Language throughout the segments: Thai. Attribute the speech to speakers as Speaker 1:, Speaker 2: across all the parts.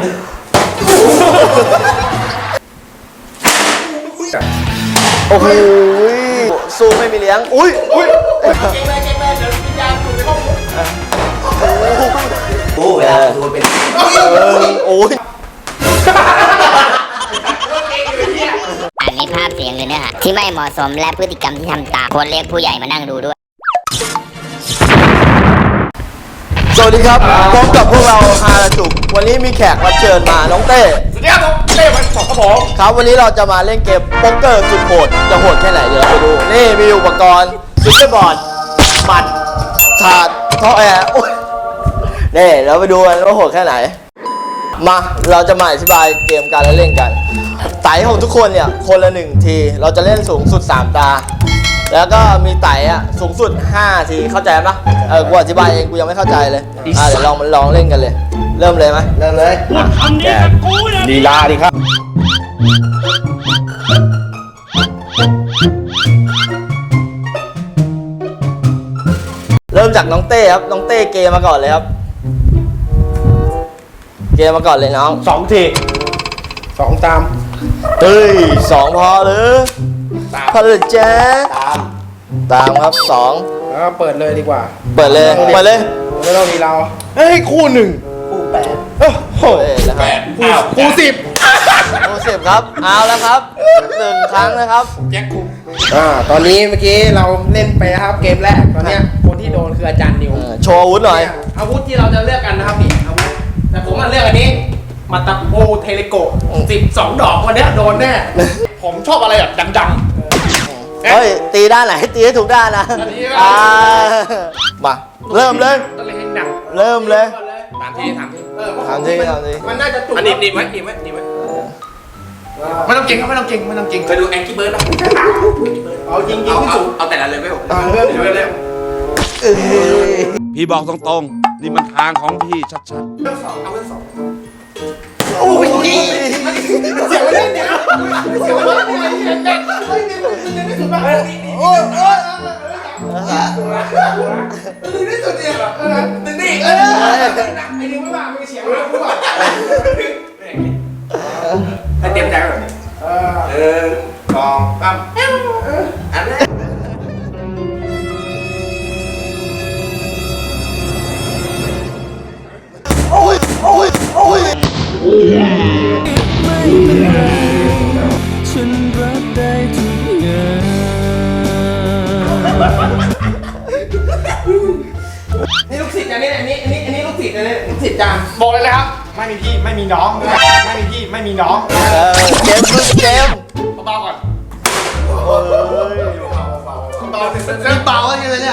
Speaker 1: โอ้โหสู้ไม่มีเลี้ยงอุ้ย
Speaker 2: เก่งเลยเดี๋ยววิญญาณอยู่ในห้อง
Speaker 1: โอ้เวลาดูเป็นโอ้ย
Speaker 3: อันนี้ภาพเสียงหรือเนื้อหาที่ไม่เหมาะสมและพฤติกรรมที่ทำตามควรเรียกผู้ใหญ่มานั่งดูด้วย
Speaker 1: สวัสดีครับพบกับพวกเราฮาราจุกวันนี้มีแขกรับเชิญมาน้องเต้
Speaker 2: สวัสดีครับเต้วันสองครับผม
Speaker 1: ครับวันนี้เราจะมาเล่นเกมโป๊กเกอร์สุดโหดจะโหดแค่ไหนเดี๋ยวเราไปดูนี่มีอุปกรณ์ซุปเปอร์บอร์ดหมัดถาดท่อแอร์นี่เราไปดูกันว่าโหดแค่ไหนมาเราจะมาอธิบายเกมการเล่นกันไต่ของทุกคนเนี่ยคนละ1ทีเราจะเล่นสูงสุด3ตาแล้วก็มีไต่อะสูงสุด5ทีเข้าใจปะกูอธิบายเองกูยังไม่เข้าใจเลยเดี๋ยวลองเล่นกันเลยเริ่มเลยไหมเริ่มเลย
Speaker 4: พูดคำนี้กับกูนะ
Speaker 2: ลีลาดิครับ
Speaker 1: เริ่มจากน้องเต้ครับน้องเต้เกมมาก่อนเลยครับเกมมาก่อนเลยน้อง
Speaker 2: 2 ที2ตาม
Speaker 1: เฮ้ย2พอหรือพอเลยจ้าตามครับ2
Speaker 2: แล้วเปิดเลยดีกว่า
Speaker 1: เปิดเลยไม่
Speaker 2: ต้องมีเราเฮ้ยคู่1คู่8โอ้โหคู่
Speaker 1: 10ครับเอาแล้วครับ1ครั้งนะครับ
Speaker 2: แจ็คคุมตอนนี้เมื่อกี้เราเล่นไปนะครับเกมแรกตอนนี้คนที่โดนคืออาจารย์นิว
Speaker 1: โชว์อาวุธหน่อย
Speaker 2: อาวุธที่เราจะเลือกกันนะครับนี่อาวุธแต่ผมเลือกอันนี้มาตาโอเทเลโก12 ดอกวันนี้โดนแน่ผมชอบอะไรแบบดัง
Speaker 1: ๆเฮ้ยตีด้านไหนตีให้ถูกด้านนะมาเริ่มเลยเริ่มเลย
Speaker 2: ถามที
Speaker 1: มัน
Speaker 2: น่าจะจุกหนีบไว้ไม่ต้องเก่งครับไม่ต้องเก่งไปดูแองกี้เบิร์ดนะเอายิงที่สูงเอาแต่ละเลยไม่ผมเริ่มเลย
Speaker 4: พี่บอกตรงๆนี่มันทางของพี่ชัดๆ
Speaker 2: เรื่อง2เอาเรื่อง2โอ้ยเสียงมันเล่นเนี่ยเสียงมันเล่นเนี่ยเฮ้ยนี่ไม่สุดป่ะโอ้ยดึงที่สุดเนี่ยดึงนี่ไอ้ดึงไม่ว่าไม่เสียงไม่รู้ป่ะให้เต็มใจแบบนี้2 3อันแรก
Speaker 1: โอ้ย
Speaker 5: ไม่เป็นไรฉันรับได้ทุกอย่าง
Speaker 2: นี่ลูกศิษย์อันนี้ลูกศิษย์อันนี้ลูกศิษย์จานบอกเลยนะครับไม่มีพี่ไม่มีน้องไม่มีพี่ไม่มีน้อง
Speaker 1: เกม
Speaker 2: เบาก่อน
Speaker 1: เบาอะไรเนี่ย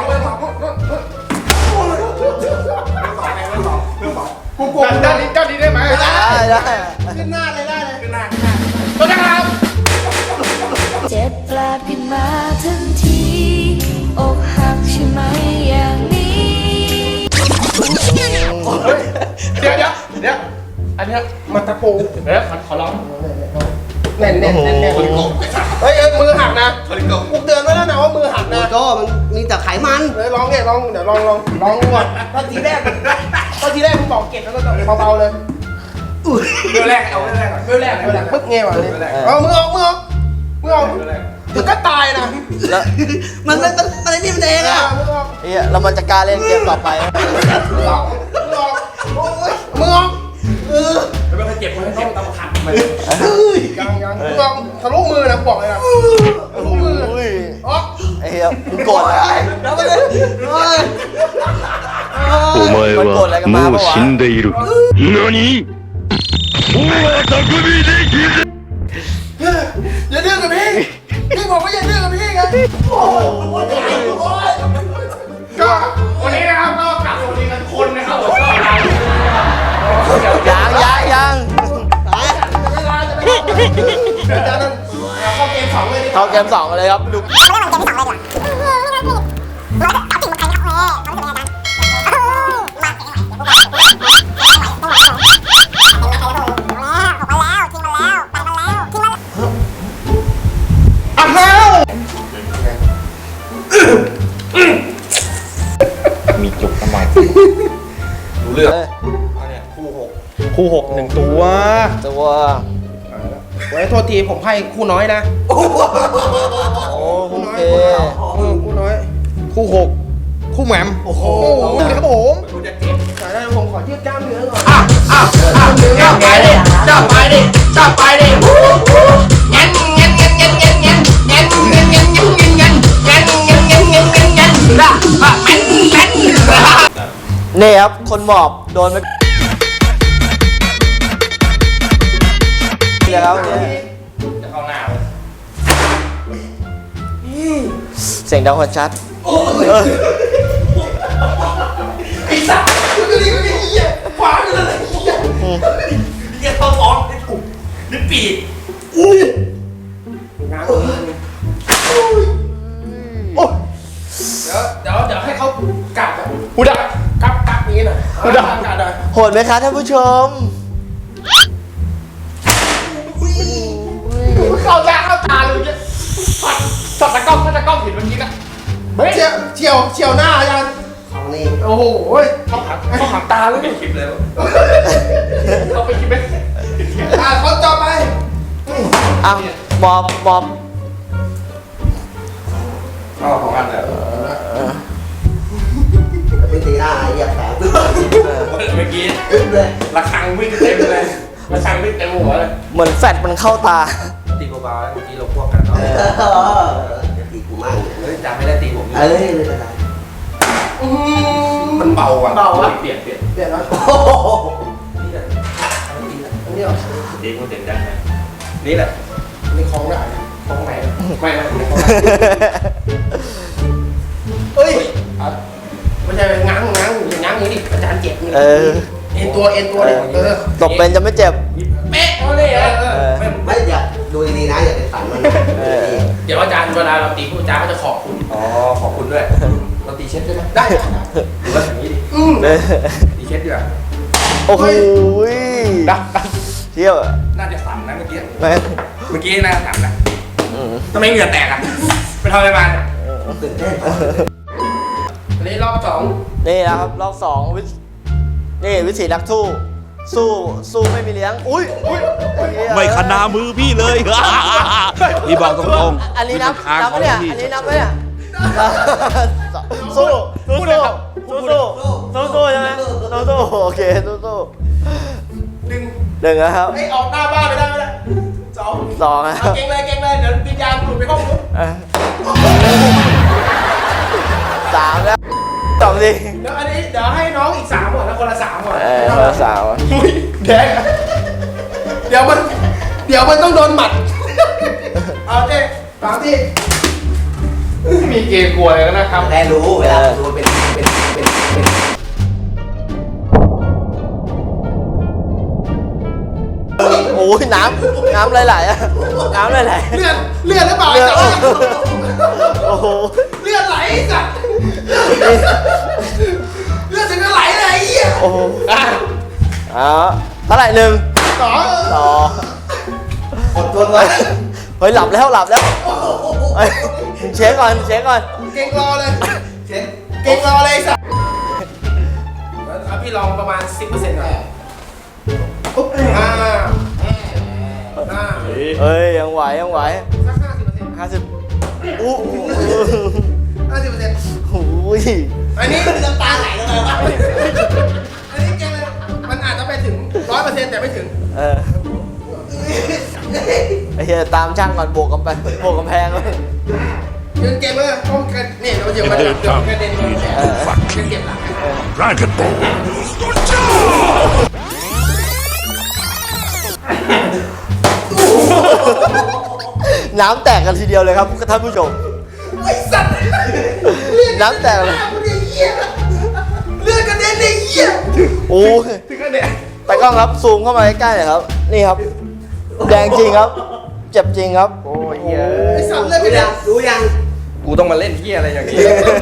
Speaker 2: กูด้านนี้ได้ไหม
Speaker 1: ได้
Speaker 2: ขึ้นหน้าเลยขึ้นหน้าตัวนะครับ
Speaker 5: เจ็บแปลบขึ้นมาทันทีอกหักใช่ไหมอย่างนี้
Speaker 2: เดี๋ยวอันนี้มันตะปูขอร้องแน่นเฮ้ยมือหักนะกูเตือนไว้แล้วนะว่ามือหักนะ
Speaker 1: ก็มันมีแต่ไขมัน
Speaker 2: ลองเนี่ยเดี๋ยวลองก่อนตอนทีแรกมึงบอกเก็บแล้วก็เบาๆเลยเมื่อแรกเอาเมื่อแรกปึ๊บเงี้ยวะนี่เอามือออกถึงก็ตายนะ
Speaker 1: มันอะไรนี่มันเองอ่ะเรามันจะกล้าเล่นเกมต่อไป
Speaker 2: มือออกไม่ต้องเจ็บต้องขัดมันยังมือออกทะลุมือนะบอกเลยนะทะลุมืออ๋อ
Speaker 1: ไอ้เหี้ยมึงโกรธอะไร
Speaker 4: お前はもう死んでいる。何？もう匠できる。
Speaker 2: อย่าดื้อกับพี่บอกว่าอย่าดื้อกับพี่ไงก็วันนี้นะครับก็กลับสวัสดีกันคนนะครับ
Speaker 1: ยังเข้าเกม 2เลยครับดู
Speaker 2: มีจุกทำไมรู้เรื่องเนี่ยคู่คู่6 1 ตัว
Speaker 1: ตัว
Speaker 2: ไว้โทษทีผมไพ่คู่น้อยนะ
Speaker 1: โอ้โอเค
Speaker 2: คู่น้อย คู่ 6 คู่แหม่มโอ้โหครับผมแต่ได้ผมขอยืดกล้ามเนื้อก่อนจับไปดิจับไปดิจับไปดิงั้น
Speaker 1: นี่ครับคนหมอบโดนไปแล้วเนี่ย
Speaker 2: จะเข้าหน้า
Speaker 1: เสียงดังคนชัด
Speaker 2: ไอ้สัตว์มันก็ดีก็ดีเหี้ยขวางอยู่เลยเหี้ยเหี้ยเข้าท้องไม่ถูกนึกปีกงานเดี๋ยวให้เขากัดหูดับกัดนี้หน่อยหูดับกัดหน่อย
Speaker 1: โหดไหมคะท่านผู้ชม
Speaker 2: เข้าตาเลยเนี่ยสัตว์ตะก้องเห็นเมื่อกี้นะเฉียวหน้าอาจารย์ของนี่โอ้โหเขาหักตาเลยไม่คลิปเลยเขาไปคลิปไหมเขาจอไป
Speaker 1: อ้าวหมอบ
Speaker 2: เอาของกันเลย
Speaker 6: ไม่ตีหน้าเหยียบแผลปึ๊บ
Speaker 2: เมื่อกี้
Speaker 6: ปึ๊บเลย
Speaker 2: ระฆังวิ่งเต็มเลยระฆังวิ่งเต็มหัวเลย
Speaker 1: เหมือนแฟดมันเข้าตา
Speaker 2: ตีเบาๆเมื่อกี้เราพวกกันเนาะ
Speaker 6: จะตีกูมั่ง
Speaker 2: เฮ้ยจำไม่ได้ตีผม
Speaker 6: เอ้ยไม่เป็นไร
Speaker 2: มันเบาอ่ะเปลี่ยนแล้ว
Speaker 6: โอ้โห
Speaker 2: นี่แหละนี่เหรอเด็กมันเต็มได้ไหมนี่แหละนี่คล้องได้คล้องไหนไม่คล้องเฮ้ยมันจะง้างอย่างนี้ดิอาจารย์เจ็บนี่
Speaker 1: เออ
Speaker 2: เอ็นตัวเลย
Speaker 1: ตบเป็นจะไม่เจ็บ
Speaker 2: เป๊ะเอาเลย
Speaker 6: ไม่อย่าดูดีๆนะอย่าไปฝันมัน
Speaker 2: เดี๋ยวอาจารย์เวลาเราตีผู้อาจารย์ก็จะขอบคุณอ๋อขอบคุณด้วยเราตีเช็ดได้ไหมได้หรือว่าอย่างนี้ดิตีเช็ดดีกว่า
Speaker 1: โอ้โห
Speaker 2: ดับ
Speaker 1: เที่ยว
Speaker 2: น่าจะสั่นนะเมื่อกี้
Speaker 1: แม่
Speaker 2: เมื่อกี้น่าสั่นนะทำไมเหงื่อแตกอ่ะไปทำอะไรมาเนี่ย
Speaker 6: ตื่นเต้น
Speaker 2: อันนี้รอบสอง
Speaker 1: นี่นะครับรอบสองนี่วิถีนักสู้ไม่มีเลี้ยง อุ้ย
Speaker 7: ไม่ขนามือพี่เลย พี่บอกตรงๆ
Speaker 1: อันนี้นับ
Speaker 7: ทาง
Speaker 1: นับ
Speaker 7: ของ
Speaker 1: ไหมเนี่ย
Speaker 7: พี่
Speaker 1: อันนี้นับไหมเนี่ยสู้ใช่ไหมสู้โอเคสู้
Speaker 2: หนึ่ง
Speaker 1: หนึ่งนะครับ
Speaker 2: ไอ้ออกหน้าบ้านไม่ได้สอง
Speaker 1: นะค
Speaker 2: เอา
Speaker 1: รับ
Speaker 2: เก่งเลยเดี๋ยววิญญาณหลุดไปห้องนู้น
Speaker 1: สามแล้วสองสิ
Speaker 2: เดี๋ยวให้น้องอีก3ก่อนแล้วคนละ3ก่อน
Speaker 1: คนละสาม
Speaker 2: อุ้ยแดงอะเดี๋ยวมันต้องโดนหมัดเอาเจ๊ฟังที่มีเกย์กลัวเลยนะครับ
Speaker 6: ได้รู้เวลาดูเป็น
Speaker 1: โอ้ยน้ำไหลๆอะน้ำไหล
Speaker 2: เลือดหรือเปล่า
Speaker 1: ๆ
Speaker 2: ไอ้จ๊ะ
Speaker 1: โอ้โห
Speaker 2: เลือดไหลไอ้สัตว์เลือดถึงจะไหลเลยไอ้เหี้ย
Speaker 1: โอ้โหเท่าไหร่หนึ่ง
Speaker 2: สอง
Speaker 1: ต่อ
Speaker 6: อดทนไว้
Speaker 1: เฮ้ยหลับแล้วเฮ้ยเช็คก่อน
Speaker 2: เก่งรอเลยไอ้สัตว์เอาพี่ลองประมาณ 10%หน่อยปุ๊บ
Speaker 1: เฮ้ยยังไหว
Speaker 2: สัก 50%
Speaker 1: อู้
Speaker 2: 50%
Speaker 1: หูย
Speaker 2: อันนี้
Speaker 6: น้ำตาไหลลงมา
Speaker 2: อันนี้เก่งเลยมันอาจจะไปถึง 100% แต่ไม่ถึง
Speaker 1: ไอ้เหี้ยตามช่างก่อนบวกกันไปบวกกำแพงเลย
Speaker 2: ยืนเก่งเลยต้องกันนี่เราเดี๋ยวมันกระเด็นโดนแขนเก็บหลัง
Speaker 7: Dragon Ball
Speaker 1: น้ำแตกกันทีเดียวเลยครับท่านผู้ชม
Speaker 2: ไอ้สัตว์
Speaker 1: น้ำแตกเลย
Speaker 2: เลือดกระเด็นไอ้เหี้ย
Speaker 1: โอ้ย
Speaker 2: ถึงกระเด็น
Speaker 1: แต่กล้องครับซูมเข้ามาใกล้ๆหน่อยครับ นี่ครับ แดงจริงครับ เจ็บจริงครับ
Speaker 2: โอ้ยไอ้สัตว์เลือดกระเด็น
Speaker 6: รู้ยัง
Speaker 2: กูต้องมาเล่นเหี้ยอะไรอย่างนี้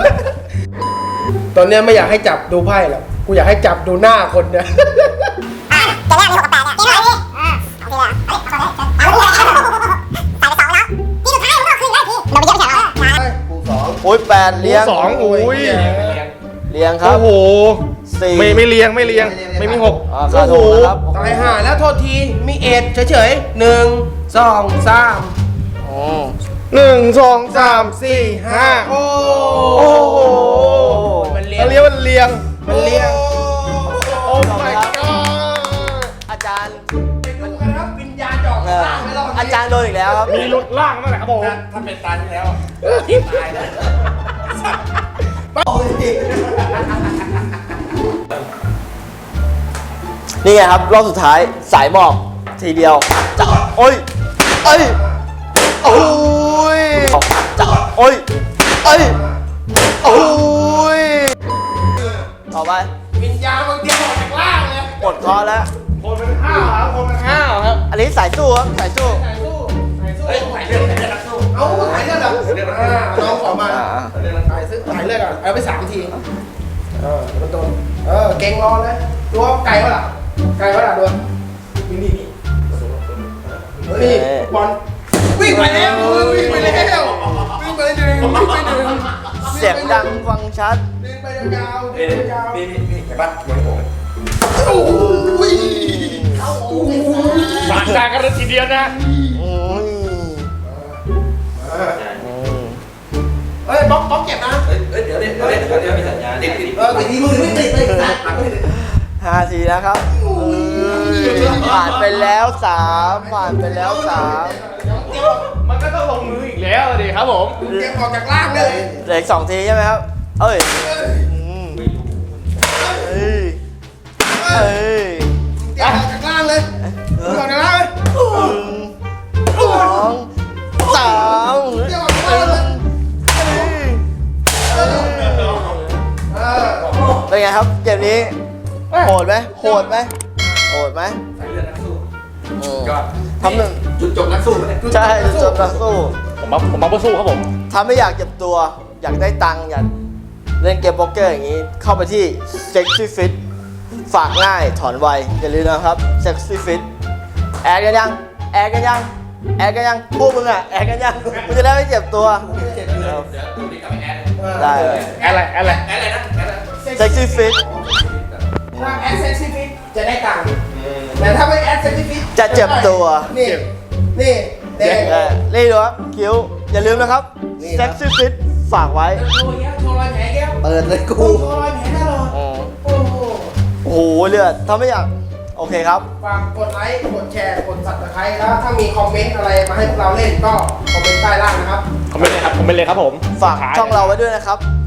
Speaker 2: ตอนเนี้ยไม่อยากให้จับดูไพ่หรอกกูอยากให้จับดูหน้าคนเนี่ย
Speaker 3: จะแรกมี6 กับ 8เนี่ยเกมอะไรพี่โอเคเลยเอาไป2แล้วที่สุดท้ายมันก็คืนได้พี่เราไปเยอะไม่ใช่เหรอ
Speaker 6: กูสอง
Speaker 1: โอ้ย8เลี้ยง
Speaker 2: 2
Speaker 1: เลี้ยงครับ
Speaker 2: โอ้โห
Speaker 1: 4
Speaker 2: ไม่เลี้ยง
Speaker 6: ไม่เรียน
Speaker 2: ไม่มีหก
Speaker 1: ขาดหกนะครับ
Speaker 2: ตายห่าแล้วโทษทีมีเอ็ดเฉยๆ1 2 3
Speaker 1: อืม
Speaker 2: 1 2 3 4 5โอ้โหมันเลี้ยงมันเลี้ยงโอ้ my god
Speaker 1: อาจารย์
Speaker 2: ไปดูกันครับวิญญาณจอกล่างไม่รอด
Speaker 1: อาจารย์โดนอีกแล้วครับ
Speaker 2: มีหลุดล่างนั่นแหละครับผม
Speaker 6: ถ้าเป็นตาที่แล้วตายแล้ว
Speaker 1: นี่ไงครับรอบสุดท้ายสายหมอบทีเดียวจะโอ้ยเอ้ยโอ้ยจะโอ้ยเอ้ยโอ้ยต่อไป
Speaker 2: วิญญาณบางทีออกจากล่างเลย
Speaker 1: หมดคอแล้ว
Speaker 2: คนเป็นข้าวครับคนเป็นข้าวครับ
Speaker 1: อันนี้สายสู้ครับสายสู้
Speaker 2: ถ่ายสู้ถ่ายสู้
Speaker 6: เฮ้ยถ่ายเรื่องนักสู้
Speaker 2: เอาถ่ายเลือดอ่ะน้องขอมา
Speaker 1: อ่า
Speaker 2: ถ่ายซื้อถ่ายเลือดก่อนเอาไป3 ทีมันโดนเก่งรอเลยตัวไก่วะล่ะไก่วะล่ะตัวนี่บอลวิ่งไปแล้ววิ่งไปแล้ววิ่งไปหนึ่งวิ่งไปหนึ่ง
Speaker 1: เสียงดังฟังชัด
Speaker 2: วิ่งไปยาวๆ
Speaker 6: นี่
Speaker 2: วิ่งไปยาว
Speaker 6: นี่เห็นปะเหมือนผม
Speaker 2: โอ้ยบาดตากันเลยทีเดียวนะ
Speaker 1: อืม
Speaker 2: เฮ้ยบล็อกเก็บนะ
Speaker 6: เดี๋ยวมีสัญญาณติด
Speaker 2: ไปทีมือไม่ติดเลย
Speaker 1: 5 ทีแล้วครับผ่านไปแล้ว3ผ่านไปแล้ว3
Speaker 2: มันก็ต้องลงมืออีกแล้วดิครับผมเก็บออกจากล่างเลย
Speaker 1: เหลืออีก2 ทีใช่ไหมครับเอ้ยอืมเอ้ยเอ้ย
Speaker 2: เก็บออกจากล่างเลยออกจากล่างเลย
Speaker 1: 1 2 3
Speaker 2: เก็บออกจากล่างเลย
Speaker 1: เป็นไงครับเกมนี้โหดไหมโหดไหมโหดไหม
Speaker 6: สายเลือดนักสู้
Speaker 1: อืม
Speaker 6: ก็
Speaker 1: ทำหนึ่ง
Speaker 6: จุดจบนักสู้เนี่ย
Speaker 1: ใช่จบนักสู้
Speaker 2: ผมมาเพื่อสู้ครับผม
Speaker 1: ถ้าไม่อยากเจ็บตัว อยากได้ตังค์อยากเล่นเกมโป๊กเกอร์อย่างนี้ เข้าไปที่ Sexy Fit ฝากง่ายถอนไวอย่าลืมนะครับ Sexy Fit แอดกันยังแอดกันยังแอดกันยังพวกมึงอ่ะแอดกันยังมึงจะได้ไม่เจ็บตัว
Speaker 6: เดี๋ยวดูนี่กลับไปแอด
Speaker 1: ได้เลย
Speaker 2: อะไร
Speaker 6: แอดอะไรนะแอดอะไร
Speaker 1: Sexy Fit
Speaker 2: ถ้าแอดเซ็กซี่ฟิตจะได้ตังค์แต่ถ้าไม่แอดเซ็กซี่ฟิต
Speaker 1: จะเจ็บตัว
Speaker 2: นี่แดง
Speaker 1: นี่ดูครับคิ้วอย่าลืมนะครับ Sexy Fit ฝากไว้
Speaker 2: โชว์แก้วโชว์รอยแผลแก้ว
Speaker 6: เปิดเลยกู
Speaker 2: โชว์รอยแผลตลอด
Speaker 1: อืม
Speaker 2: โอ้โห
Speaker 1: โอ้โหเลือดถ้าไม่อยากโอเคครับ
Speaker 2: ฝากกดไลค์ กดแชร์ กด Subscribe แล้วถ้ามีคอมเมนต์อะไรมาให้พวกเราเล่นก็คอมเมนต์ใต้ล่างนะครับ
Speaker 1: ฝากช่องเราไว้ด้วยนะครับ